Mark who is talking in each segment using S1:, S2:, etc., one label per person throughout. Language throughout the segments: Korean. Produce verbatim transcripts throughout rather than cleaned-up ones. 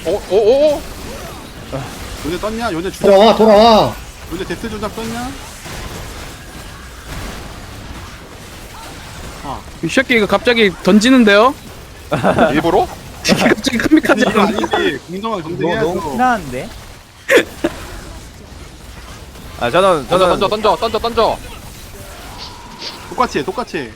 S1: 어, 오, 오,
S2: 요네 떴냐? 요네 주작
S3: 돌아와 돌아와.
S2: 요네 데스 주작 떴냐? 아
S4: 이 새끼 이거 갑자기 던지는데요?
S1: 일부러?
S4: 갑자기 컴비까지
S2: 이거 아니지. 공정한
S5: 너,
S2: 경쟁해야죠.
S5: 너무 흔한데?
S6: 아 저는
S1: 던져,
S6: 저는
S1: 던져, 던져, 던져, 던져.
S2: 똑같이 해 똑같이 해.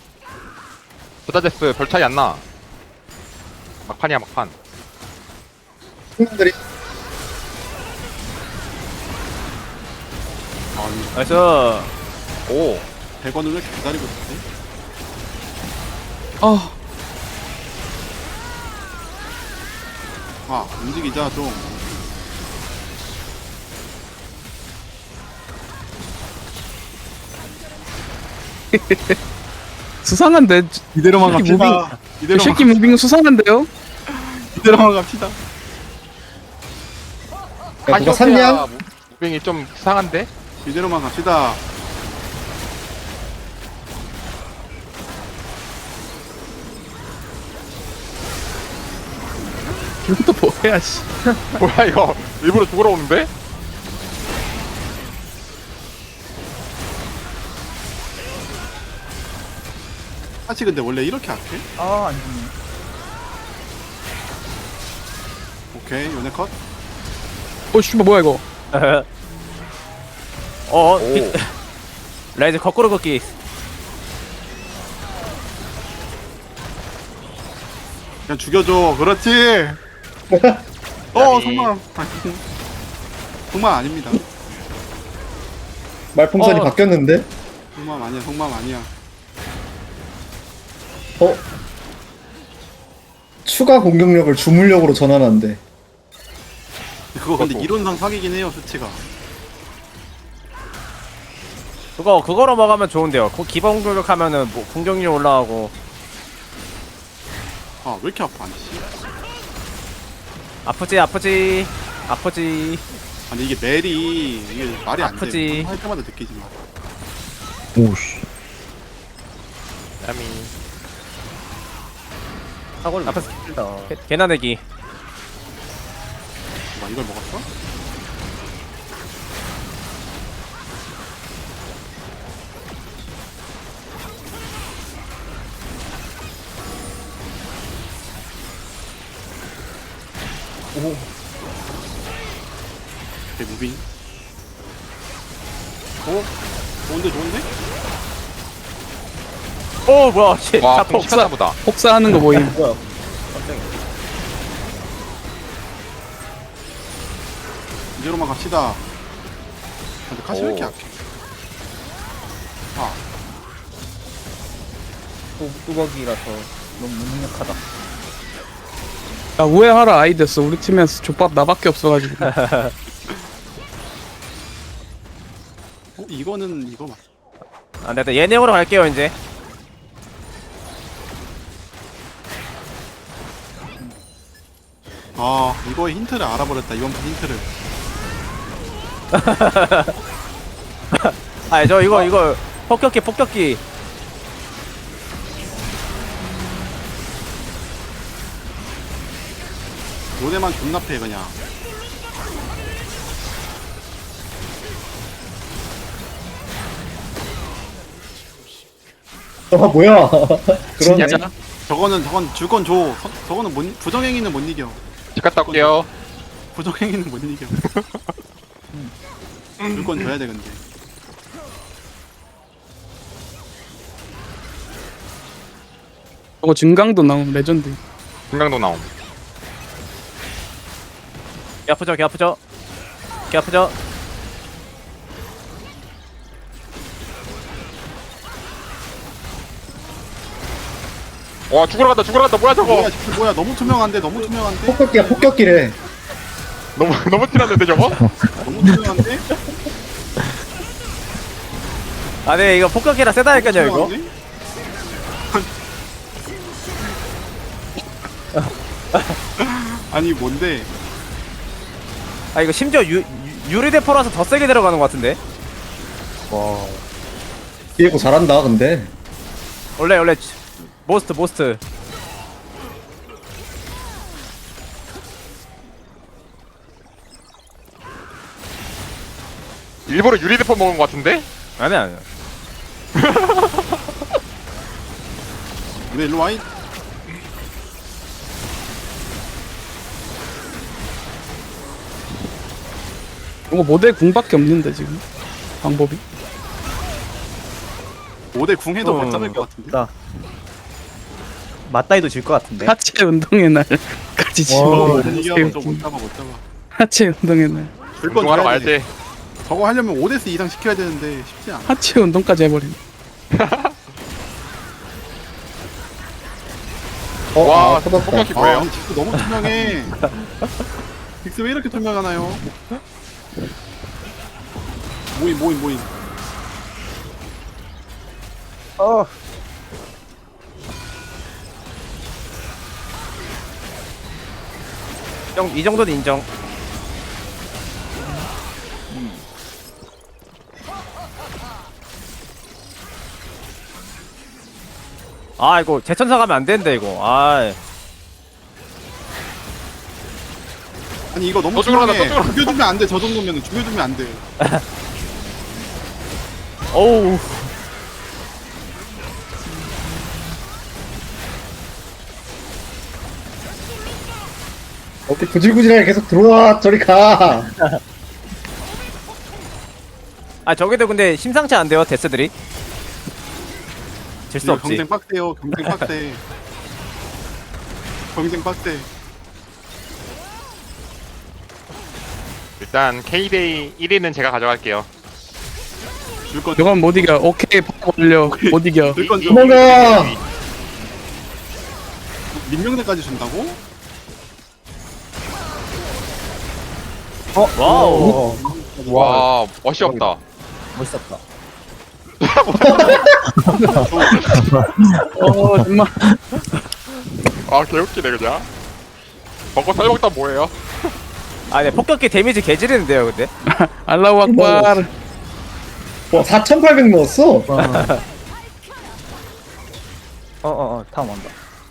S1: 부다제스 별 차이 안 나. 막판이야, 막판.
S3: 팀들이
S2: 아니
S6: 나이스.
S1: 오,
S2: 백 원을 왜 이렇게 기다리고 있지?
S4: 아
S2: 아 움직이자 좀.
S4: 수상한데
S2: 이대로만
S4: 이 새끼
S2: 갑시다.
S4: 이
S2: 이대로만
S4: 새끼 무빙 수상한데요?
S2: 이대로만 갑시다.
S3: 야, 누가 샀냐?
S1: 무- 무빙이 좀 수상한데?
S2: 이대로만 갑시다.
S4: 이것도 뭐야 씨.
S1: 뭐야, 이거. 일부러 죽으러 오는데?
S2: 사실 근데 원래 이렇게 할게?
S5: 아, 안 죽네.
S2: 오케이 요네 컷.
S4: 어 씨발 뭐야 이거?
S6: 어
S1: 오.
S6: 비- 라이즈 거꾸로 걷기.
S2: 그냥 죽여줘. 그렇지. 어 성만. 성만 아닙니다.
S3: 말풍선이
S6: 어.
S3: 바뀌었는데.
S2: 성만 아니야. 성만 아니야.
S3: 어? 추가 공격력을 주물력으로 전환한대.
S2: 그거 근데
S1: 그것도.
S2: 이론상 사기긴 해요 수치가.
S6: 그거 그거로 먹으면 좋은데요. 그 기본 공격 하면은 뭐 공격률 올라가고
S2: 아 왜 이렇게 아파 아니 씨.
S6: 아프지 아프지 아프지.
S2: 아니 이게 멜이 이게 말이 안 돼.
S6: 아프지.
S2: 할 때마다 느끼지만.
S4: 오씨.
S1: 야미.
S5: 사골
S6: 아파서
S5: 다
S6: 개- 개나대기.
S2: 막 이걸 먹었어? 오. 개 무빙. 오. 좋은데 좋은데?
S6: 오 뭐야 씨.
S1: 와,
S6: 자폭.
S1: 공식하나 보다.
S4: 폭사하는 거 보임.
S5: 뭐야? 깜짝이야.
S2: 이대로만 갑시다. 근데 카시 왜 이렇게
S1: 오.
S2: 약해? 아
S5: 또 뚜벅이라서 너무 무능력하다.
S4: 야 우회하라 아이데스 우리 팀에서 족밥 나밖에 없어가지고.
S2: 어, 이거는 이거 맞.
S6: 아 내가 예능으로 갈게요 이제.
S2: 아 이거의 힌트를 알아버렸다 이번 판 힌트를.
S6: 아 저 이거 이거 폭격기 폭격기.
S2: 요네만 존나 패 그냥.
S3: 아 뭐야? 그러네.
S4: 진짜?
S2: 저거는 저건 줄 건 줘. 서- 저거는 못, 부정행위는 못 이겨.
S1: 집 갔다 올게요.
S2: 부정행위는 못 이겨. 줄 건 줘야 돼 근데.
S4: 저거 증강도 나오면 레전드.
S1: 금강도 나옴.
S6: 개 아프죠 개 아프죠 개 아프죠.
S1: 와, 죽으러 간다, 죽으러 간다. 뭐야, 저거.
S2: 뭐야 진짜 뭐야 너무 투명한데 너무 투명한데
S3: 폭격기야 폭격기래.
S1: 너무, 너무 티났는데, 저거?
S2: 너무 투명한데
S6: 아네 이거 폭격기라 세다니까요 이거.
S2: 투명한데? 아니 뭔데?
S6: 아 이거 심지어 유, 유 유리대포라서 더 세게 들어가는 것 같은데.
S3: 와. 디에고 잘한다 근데.
S6: 원래 원래 모스트 모스트.
S1: 일부러 유리대포 먹은 거 같은데?
S6: 아니 아니.
S2: 근데 일로 와이.
S4: 이거 모델 궁밖에 없는데 지금 방법이.
S2: 오 대 궁 해도
S6: 어.
S2: 못 잡을 것 같은데.
S5: 나 맞다이도 질 것 같은데.
S4: 하체 운동의 날까지 지금.
S2: 어, 이기하고 저못 잡아 못 잡아.
S4: 하체 운동의 날.
S2: 줄건
S1: 운동하러
S2: 줘야
S1: 가야지.
S2: 돼. 저거 하려면 오 대스 이상 시켜야 되는데 쉽지 않아.
S4: 하체 운동까지 해버린.
S3: 어,
S1: 와,
S3: 아, 터졌다.
S1: 폭격기
S2: 아,
S1: 뭐예요?
S2: 아니, 딕스 너무 투명해. 딕스 왜 이렇게 투명하나요? 모임 모임 모임.
S5: 어.
S6: 이 정도- 이 정도는 인정. 아 이거 재천사 가면 안 되는데 이거. 아
S2: 아니 이거 너무
S1: 또 죽으러 간다,
S2: 투명해.
S1: 또 죽으러
S2: 죽여주면 안 돼. 저 정도면 죽여주면 안 돼.
S6: 어우.
S3: 어떻게 구질구질하게 계속 들어와 저리 가.
S6: 아 저기도 근데 심상치 안 돼요 데스들이. 질 수
S2: 이거
S6: 없지.
S2: 경쟁 빡세요. 경쟁 빡세. 경쟁 빡세.
S1: 일단 K데이 일 위는 제가 가져갈게요.
S2: 줄건
S4: 이건 못 이겨. 오케이 바로 올려. 못 이겨.
S2: 줄건 줘.
S3: 도망가.
S2: 민명대까지 준다고?
S6: 와우.
S1: 와, 멋이 없다.
S5: 멋있었다.
S4: 어 정말.
S1: 아, 개웃기네, 그냥. 먹고 살먹다 뭐예요?
S6: 아 네, 폭격기 데미지 개지르는데요 근데.
S4: 알라우 악발.
S3: 와 사천팔백 넣었어.
S5: 어어어 다음 온다.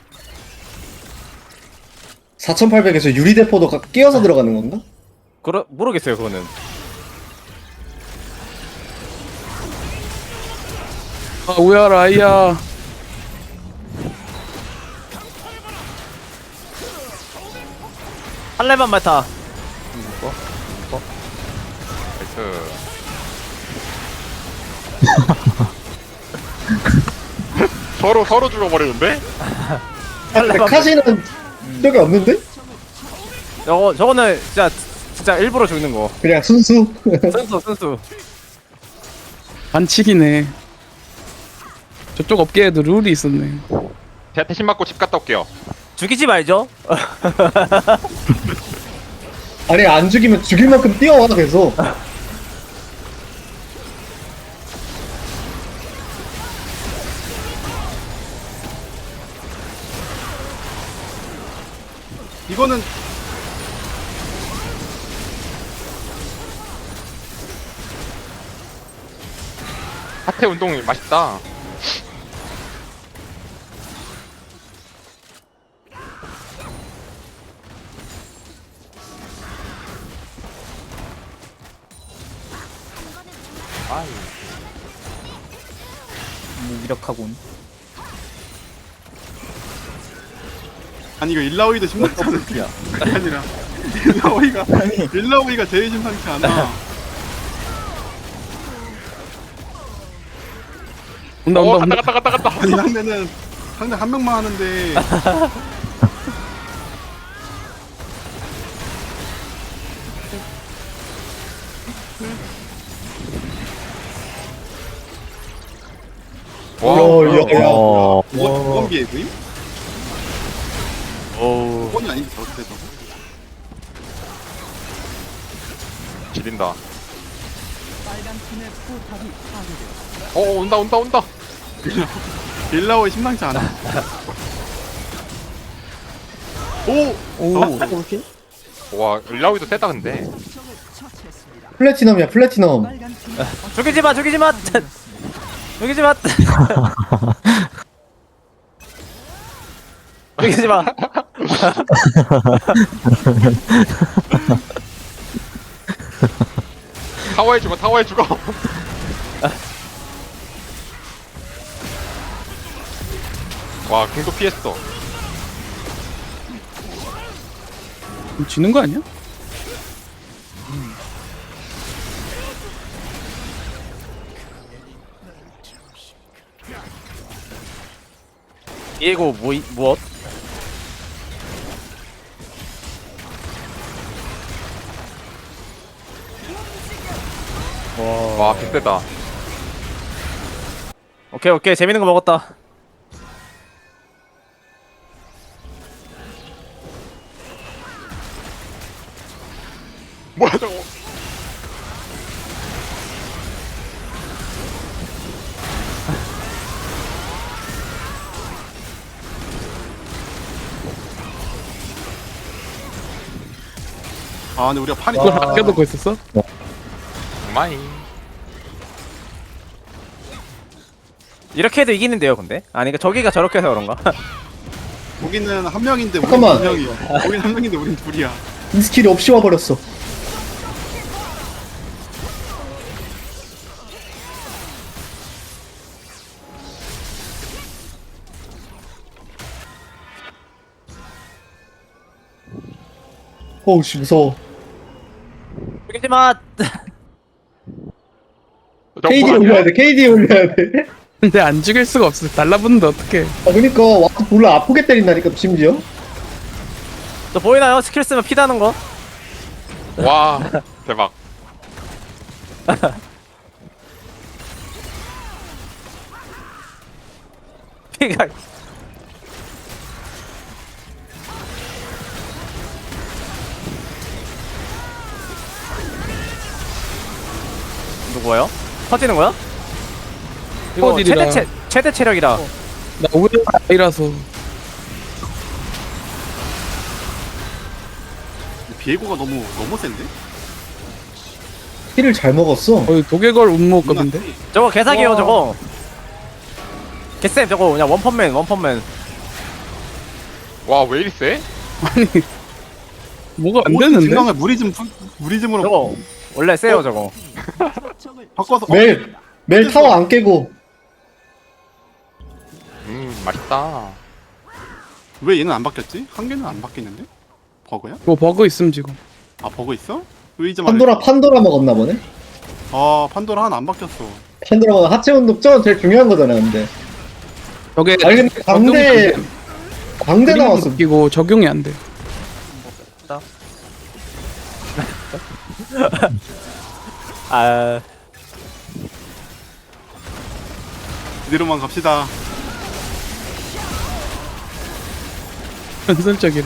S3: 사천팔백에서 유리대포도 가- 끼어서 들어가는 건가?
S6: 그러 모르겠어요 그거는.
S4: 아 우야라 아이야.
S6: 한 레만 맡아.
S1: 나이스. 서로, 서로 죽어버리는데?
S3: 근데 카시는 저기 없는데?
S6: 저거 저거는 진짜 진짜 일부러 죽는 거.
S3: 그냥 순수.
S6: 순수 순수.
S4: 반칙이네. 저쪽 업계에도 룰이 있었네.
S1: 제가 대신 맞고 집 갔다 올게요.
S6: 죽이지 말죠.
S3: 아니 안 죽이면 죽일 만큼 뛰어와 계속.
S2: 이거는
S1: 하태 운동 맛있다.
S5: 무기력하군.
S2: 아니 이거 일라오이도 심상치 않아.
S5: 야.
S2: 그게 아니라 일라오이가 일라오이가 제일 심상치 않아.
S4: 온다
S1: 어,
S4: 온다
S1: 갔다,
S4: 온다.
S1: 갔다, 갔다, 갔다.
S2: 아니 상대는 상대 한 명만 하는데
S1: 와,
S3: 어, 야, 야.
S5: 어.
S2: 원 원비에 그임?
S6: 오.
S2: 원이 아닌데 저렇게 해서
S1: 지린다. 어, 온다, 온다, 온다.
S2: 일라오이 심상치 않아. 오!
S5: 오.
S1: 와, 일라우이도 세다, 근데.
S3: 플래티넘이야 플래티넘.
S6: 죽이지 마 죽이지 마. 죽이지 마. 죽이지 마.
S1: 타워에 죽어 타워에 죽어. 와 궁도 피했어.
S4: 그럼 지는 거 아니야?
S6: 이거 뭐 무엇?
S1: 와 빅세다.
S6: 오케이 오케이 재밌는 거 먹었다.
S1: 뭐야 저거.
S2: 아 근데 우리가 판이
S4: 그걸
S2: 좀
S4: 아껴두고 있었어?
S1: 마이.
S6: 이렇게 해도 이기는데요 근데? 아니 그러니까 저기가 저렇게 해서 그런가?
S2: 거기는 한 명인데 우리
S3: 잠깐만.
S2: 두 명이. 거기는 한 명인데 우린 둘이야.
S3: 이 스킬이 없이 와버렸어. 어우씨 무서워.
S6: 죽이지마!
S3: 케이디 올려야 돼. 케이디 올려야 돼.
S4: 근데 안 죽일 수가 없어. 달라붙는데 어떡해.
S3: 아 그니까 와서 몰라 아프게 때린다니까 심지어.
S6: 저 보이나요? 스킬 쓰면 피 나는 거?
S1: 와 대박.
S6: 피가 누구예요? 터지는 거야? 이거
S4: 터지리라.
S6: 최대 체, 최대 체력이다.
S4: 나 오히려 아이라서.
S2: 비에고가 너무 너무 센데?
S3: 피를 잘 먹었어.
S4: 거의 독일걸 운모급인데?
S6: 저거 개사기예요
S4: 와.
S6: 저거. 개쌤 저거 그냥 원펀맨 원펀맨.
S1: 와 왜 이리 세?
S4: 아니 뭐가 안
S2: 모든
S4: 되는데?
S2: 증강을 무리즘 푸- 무리즘으로
S6: 저거 원래 세요 저거.
S2: 바꿔서 어?
S3: 매일 매일 타워 안 깨고.
S1: 음 맛있다.
S2: 왜 얘는 안 바뀌었지? 한 개는 안 바뀌는데? 버그야?
S4: 뭐 버그 있음 지금.
S2: 아 버그 있어? 의자
S3: 판도라 판도라 먹었나 보네.
S2: 아 판도라 하나 안 바뀌었어.
S3: 판도라가 하체 운동 저건 제일 중요한 거잖아 근데.
S4: 저게
S3: 아니 근데 광대 광대 나왔어.
S4: 끼고 적용이 안 돼.
S6: 아
S2: 이대로만 갑시다.
S4: 전설적이래.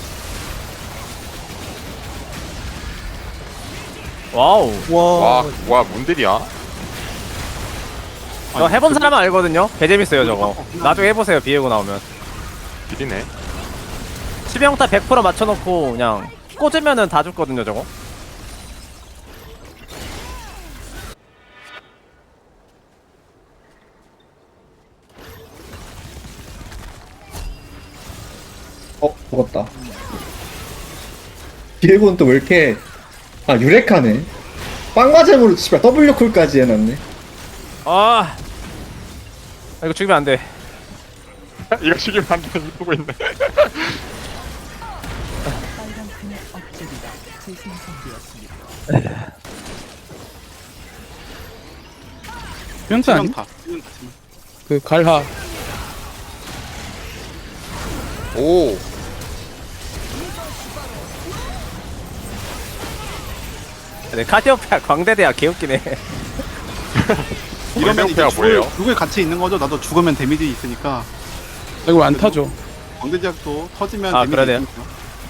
S6: 와우.
S1: 와 와 뭔들이야?
S6: 저 해본 사람은 알거든요. 개 재밌어요 저거. 나중에 해보세요 비에고 나오면.
S1: 비리네.
S6: 치명타 백 퍼센트 맞춰놓고 그냥 꽂으면은 다 죽거든요 저거.
S3: 어 죽었다. 비에고는 또 왜 이렇게 아 유레카네. 빵과잼으로 씨발 W 쿨까지 해놨네.
S6: 아 이거 죽이면 안 돼.
S1: 이거 죽이면 안 돼. 이쁘고 있네.
S4: 명사 아니?
S2: 치명타. 치명타, 치명타.
S4: 그 갈하.
S1: 오.
S6: 네, 카디오페아 광대대야 개웃기네.
S2: 이러면 이제
S1: 광대대가
S2: 죽을,
S1: 뭐예요?
S2: 죽을 같이 있는 거죠. 나도 죽으면 데미지 있으니까.
S4: 나 이거 안 타죠.
S2: 광대제약도 터지면
S6: 아,
S2: 데미지
S6: 그러네요.
S2: 있으니까.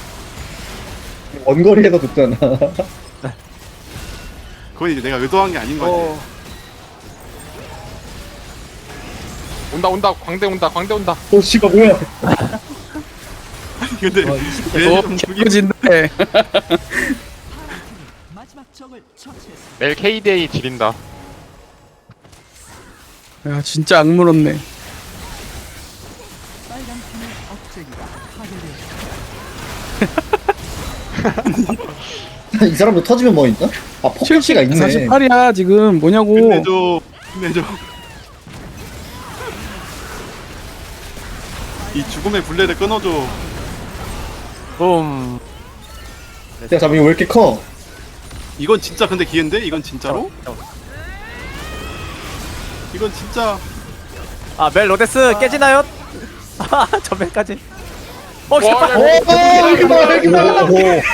S3: 원거리에서 죽잖아.
S2: 그건 이제 내가 의도한 게 아닌 거지.
S6: 어.
S1: 온다 온다 광대 온다 광대 온다.
S3: 오 씨발 뭐야?
S2: 근데
S4: 어,
S2: 얘 좀 죽이
S4: 개꿀진데.
S1: 내일 케이디에이 지린다.
S4: 야 진짜 악물었네.
S3: 이 사람도 터지면 뭐 있나? 아 폭격기가 있네.
S4: 사십팔이야 지금 뭐냐고.
S2: 끝내줘. 끝내줘. 이 죽음의 굴레를 끊어줘.
S6: 붐.
S3: 야 잠깐 이거 왜 이렇게 커?
S2: 이건 진짜 근데 기회인데? 이건 진짜로? 이건 진짜.
S6: 아, 멜 로데스 깨지나요? 아, 전멸까지. 어,
S1: 와,
S6: 깃발.
S1: 야,
S3: 오 기발 기발.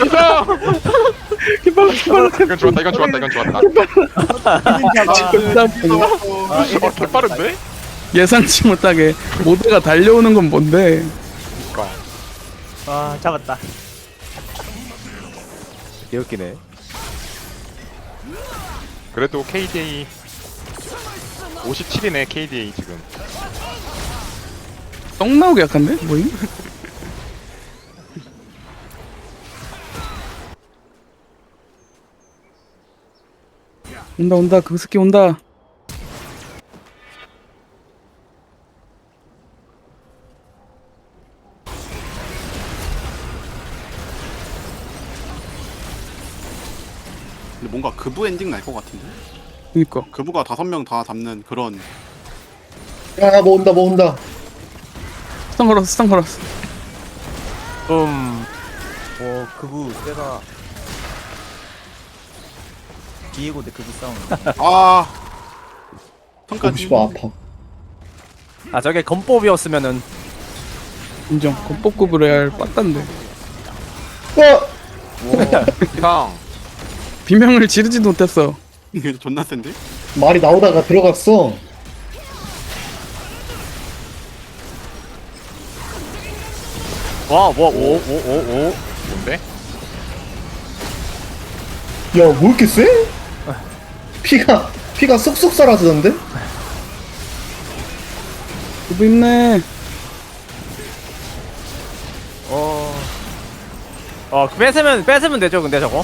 S4: 기발 기발.
S1: 이건 좋았다 이건 좋았다 이건 좋았다
S2: 아,
S1: 어 개빠른데?
S4: 예상치 못하게 모두가 달려오는 건 뭔데?
S1: 그니까
S6: 아, 잡았다. 개웃기네.
S1: 그래도 케이디에이 오십칠이네 케이디에이 지금
S4: 똥 나오게 약한데? 뭐임? 온다 온다 그 스키 온다.
S2: 근데 뭔가 그부 엔딩 날 것 같은데?
S4: 그니까
S2: 그부가 다섯 명 다 잡는 그런.
S3: 야뭐 온다 뭐 온다.
S4: 스턴 걸었어 스턴 걸었어.
S6: 붐.
S5: 오 그부 세다. 디에고 대 그부 싸움.
S2: 아.
S3: 보고
S2: 턴까지.
S3: 싶어 아파.
S6: 아, 저게 건법이었으면은.
S4: 인정. 건법급으로 해야 할 빠딴데.
S3: 어!
S1: 형
S4: 비명을 지르지도 못했어.
S2: 이게 존나 센데?
S3: 말이 나오다가 들어갔어.
S6: 와, 뭐, 오, 오, 오, 오.
S1: 뭔데?
S3: 야 뭐 이렇게 세? 피가 피가 쏙쏙 사라지던데?
S4: 그거 있네.
S6: 어. 어, 뺏으면, 뺏으면 되죠, 근데 저거.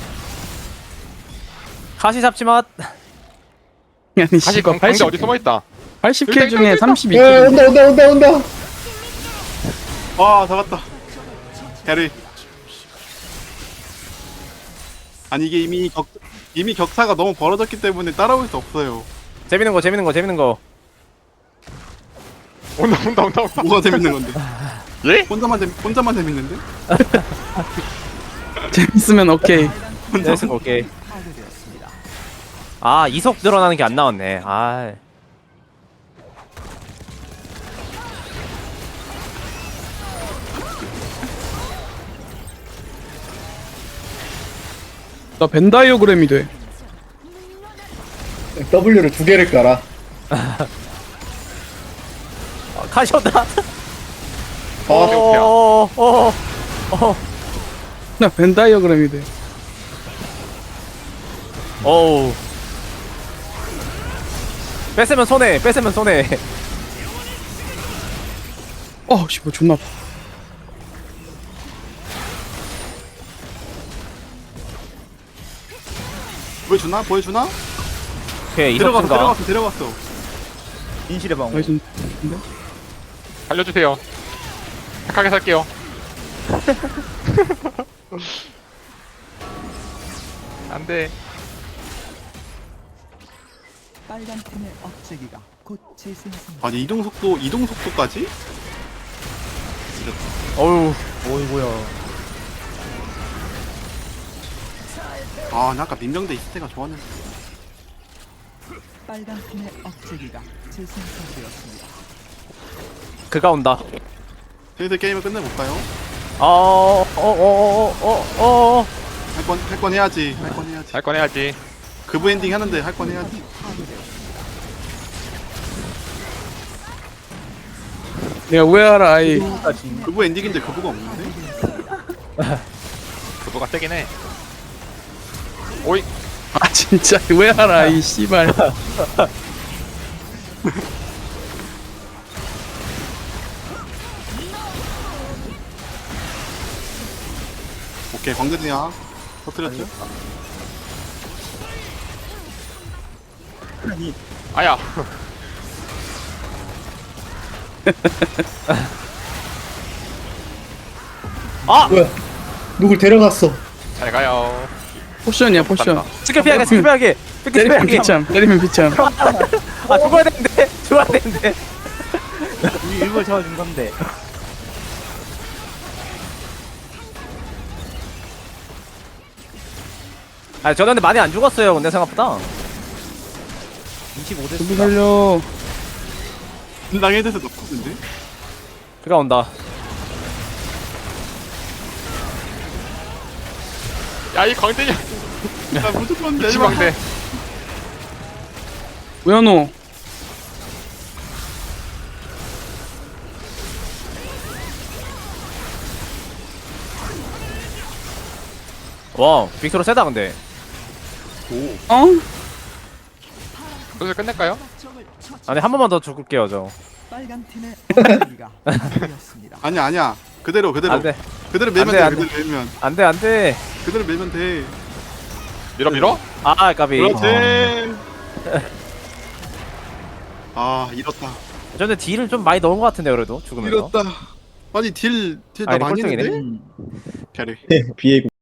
S6: 가시 잡지 마.
S4: 아니
S1: 다시
S4: 씨발
S1: 강, 강대
S4: 팔십
S1: 어디 숨어있다
S4: 팔십 킬 중에
S1: 일단,
S4: 삼십이
S3: 야
S4: 킬.
S3: 온다 온다 온다 온다.
S2: 아, 잡았다. 캐리. 아니 이게 이미 격 이미 격차가 너무 벌어졌기 때문에 따라올 수 없어요.
S6: 재밌는 거, 재밌는 거, 재밌는 거.
S1: 온다 온다 온다 온다
S2: 뭐가 재밌는 건데?
S1: 예?
S2: 혼자만 재 혼자만 재밌는데?
S4: 재밌으면 오케이.
S6: 재밌는 거, 오케이. 아, 이속 늘어나는 게 안 나왔네. 아.
S4: 나 벤다이어그램이 돼.
S3: W를 두 개를 깔아.
S6: 어, 가셨다.
S3: 아
S6: 어, 어, 어,
S4: 나 벤다이어그램이 돼.
S6: 어우. 뺏으면 손해, 뺏으면 손해.
S4: 어, 씨, 뭐 존나 아파.
S2: 보여주나? 보여주나?
S6: 오케이, 이속
S2: 데려갔어,
S6: 증가.
S2: 데려갔어, 데려갔어.
S5: 인실의 방어.
S4: 나이스.
S1: 살려주세요 착하게 살게요 안돼
S7: 빨간 팀의 억제기가 곧 재생성.
S2: 아니 이동 속도, 이동 속도까지?
S6: 어우.
S5: 어이구야.
S2: 아, 나 아까 민병대 있을 때가 좋았는데.
S7: 빨간 팀의 억제기가 재생성되었습니다.
S6: 그가 온다.
S2: 슬슬 게임을 끝내볼까요?
S6: 어, 어, 어, 어, 어, 어.
S2: 할 건, 할 건 해야지. 할 건 해야지.
S1: 할 건 해야지
S2: 그부 엔딩 하는데 할 건 해야지.
S4: 내가 우회하라 아이.
S2: 그부 엔딩인데 그부가 없는데?
S1: 그거가 세긴 해 오이
S4: 아 진짜 우회하라 아이 씨발.
S2: 오케이, 광대지야. 터뜨렸죠?
S1: 아야
S6: 아!
S3: 뭐야? 누굴 데려갔어?
S1: 잘 가요
S4: 포션이야 포션.
S6: 스킬 피하게 스킬 피하게 스킬
S4: 때리면
S6: 피하게.
S4: 비참 때리면 비참.
S6: 아 죽어야 되는데 죽어야 되는데.
S5: 우리 일부러 잡아준 건데.
S6: 아 저는 근데 많이 안 죽었어요. 근데 생각보다.
S5: 이십오 대
S4: 누구 살려.
S2: 분당 헤드에서 넣거든데?
S6: 비가 온다.
S1: 야 이 광대냐
S2: 나 무조건 내지 마.
S1: 시광대
S4: 우연호.
S6: 와 빅토르 세다 근데.
S4: 어?
S1: 여기서 끝낼까요?
S6: 아니 한 번만 더 죽을게요 저.
S7: 빨간 팀의 억제기가 되었습니다.
S2: 아니야 아니야. 그대로 그대로.
S6: 안돼
S2: 그대로 밀면
S6: 안
S2: 돼.
S6: 돼, 안
S2: 그대로 밀면.
S6: 안돼 안돼.
S2: 그대로 밀면 돼.
S1: 밀어 밀어?
S6: 아 까비.
S2: 그렇지. 아 잃었다.
S6: 저는 딜을 좀 많이 넣은 것 같은데 그래도 죽으면서.
S2: 잃었다. 아니 딜 딜 나
S6: 아니,
S2: 많이
S6: 꼴등이네.
S2: 했는데? 캐리.
S3: 비에고